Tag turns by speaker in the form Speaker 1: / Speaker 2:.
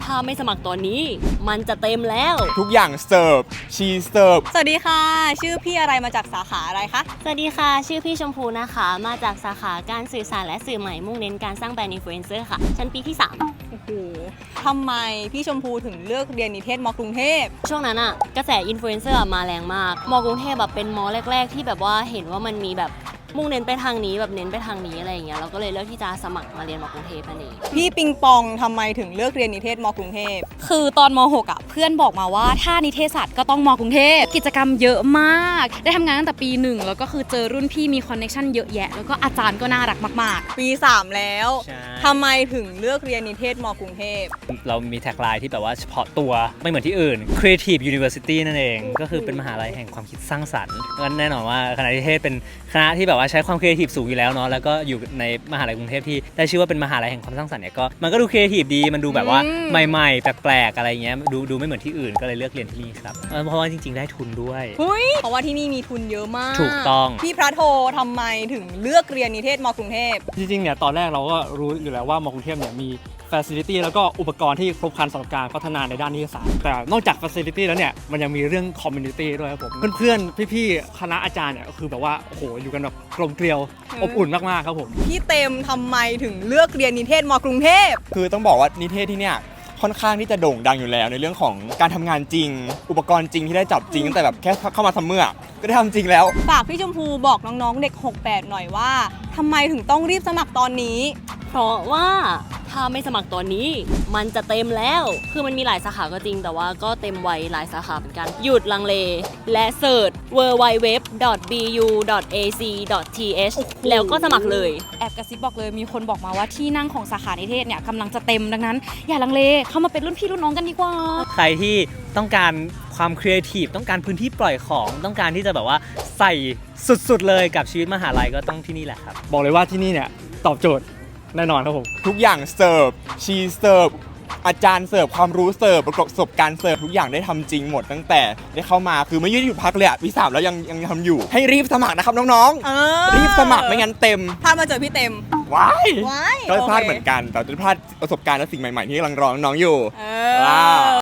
Speaker 1: ถ้าไม่สมัครตอนนี้มันจะเต็มแล้ว
Speaker 2: ทุกอย่างเสิร์ฟชีเสิร์ฟ
Speaker 3: สวัสดีค่ะชื่อพี่อะไรมาจากสาขาอะไรคะ
Speaker 1: สวัสดีค่ะชื่อพี่ชมพูนะคะมาจากสาขาการสื่อสารและสื่อใหม่มุ่งเน้นการสร้างแบรนด์อินฟลูเอนเซอร์ค่ะชั้นปีที่3
Speaker 3: โอ้โหทำไมพี่ชมพูถึงเลือกเรียนนิเทศม.กรุงเทพ
Speaker 1: ช่วงนั้นอะกระแสอินฟลูเอนเซอร์มาแรงมากม.กรุงเทพแบบเป็นม.แรกๆที่แบบว่าเห็นว่ามันมีแบบมุ่งเน้นไปทางนี้แบบเน้นไปทางนี้อะไรอย่างเงี้ยเราก็เลยเลือกที่จะสมัครมาเรียนม.กรุงเทพนั่นเอง
Speaker 3: พี่ปิงปองทำไมถึงเลือกเรียนนิเทศม.กรุงเทพ
Speaker 4: คือตอนม.6อ่ะเพื่อนบอกมาว่าถ้านิเทศศาสตร์ก็ต้องม.กรุงเทพกิจกรรมเยอะมากได้ทำงานตั้งแต่ปี1แล้วก็คือเจอรุ่นพี่มีคอนเนคชั่นเยอะแยะแล้วก็อาจารย์ก็น่ารักมาก
Speaker 3: ปี3แล้วทำไมถึงเลือกเรียนนิเทศม.กรุงเทพ
Speaker 5: เรามีแท็กไลน์ที่แบบว่าเฉพาะตัวไม่เหมือนที่อื่น Creative University นั่นเองก็คือเป็นมหาลัยแห่งความคิดสร้างสรรค์ก็แน่นอนว่าคณะนิเทศเป็นคณะที่แบบว่าใช้ความครีเอทีฟสูงอยู่แล้วเนาะแล้วก็อยู่ในมหาลัยกรุงเทพที่ได้ชื่อว่าเป็นมหาลัยแห่งความสร้างสรรค์เนี่ยก็มันก็ดูครีเอทีฟดีมันดูแบบว่าใหม่ๆแปลกๆอะไรเงี้ยดูไม่เหมือนที่อื่นก็เลยเลือกเรียนที่นี่ครับเพราะว่าจริงๆได้ทุนด้วย
Speaker 3: เพราะว่าที่นี่มีทุนเยอะมาก
Speaker 5: ถูกต้อง
Speaker 3: พี่พระโททำไมถึงเลือกเรียนนิเทศม.กรุงเทพ
Speaker 6: จริงๆเนี่ยตอนแรกเราก็รู้อยู่แล้วว่าม.กรุงเทพเนี่ยมีfacility แล้วก็อุปกรณ์ที่ครบครันสำหรับการพัฒนาในด้านนิเทศศาสตร์แต่นอกจาก facility แล้วเนี่ยมันยังมีเรื่อง community ด้วยครับผมเพื่อนๆพี่ๆคณะอาจารย์เนี่ยก็คือแบบว่าโอ้โหอยู่กันแบบกลมเกลียวอบอุ่นมากๆครับผม
Speaker 3: พี่เต็มทำไมถึงเลือกเรียนนิเทศม.กรุงเทพ
Speaker 2: คือต้องบอกว่านิเทศที่เนี่ยค่อนข้างที่จะโด่งดังอยู่แล้วในเรื่องของการทำงานจริงอุปกรณ์จริงที่ได้จับจริงตั้งแต่แบบแค่เข้ามาทำเมื่อก็ได้ทำจริงแล้ว
Speaker 3: ฝากพี่ชมพูบอกน้องๆเด็ก68หน่อยว่าทำไมถึงต้องรีบสมัครตอนนี้
Speaker 1: เพราะว่าถ้าไม่สมัครตอนนี้มันจะเต็มแล้วคือมันมีหลายสาขาก็จริงแต่ว่าก็เต็มไวหลายสาขาเหมือนกันหยุดลังเลและเสิร์ช www.bu.ac.th แล้วก็สมัครเลย
Speaker 4: ๆแอบกระซิบบอกเลยมีคนบอกมาว่าที่นั่งของสาขานิเทศเนี่ยกำลังจะเต็มดังนั้นอย่าลังเลเข้ามาเป็นรุ่นพี่รุ่นน้องกันดีกว่า
Speaker 5: ใครที่ต้องการความครีเอทีฟต้องการพื้นที่ปล่อยของต้องการที่จะแบบว่าใส่สุดๆเลยกับชีวิตมหาลัยก็ต้องที่นี่แหละครับ
Speaker 6: บอกเลยว่าที่นี่เนี่ยตอบโจทย์แน่นอนครับผม
Speaker 2: ทุกอย่างเสิร์ฟชีเสิร์ฟอาจารย์เสิร์ฟความรู้เสิร์ฟประสบการณ์เสิร์ฟทุกอย่างได้ทำจริงหมดตั้งแต่ได้เข้ามาคือไม่ยืดหยุดพักเลยปี 3แล้วยังทำอยู่ให้รีบสมัครนะครับน้องๆรีบสมัครไม่งั้นเต็ม
Speaker 3: ถ้ามาเจอพี่เต็ม
Speaker 2: ว้ายก็พลาดเหมือนกันแต่จะพลาดประสบการณ์และสิ่งใหม่ๆที่กำลังรอน้องๆอยู่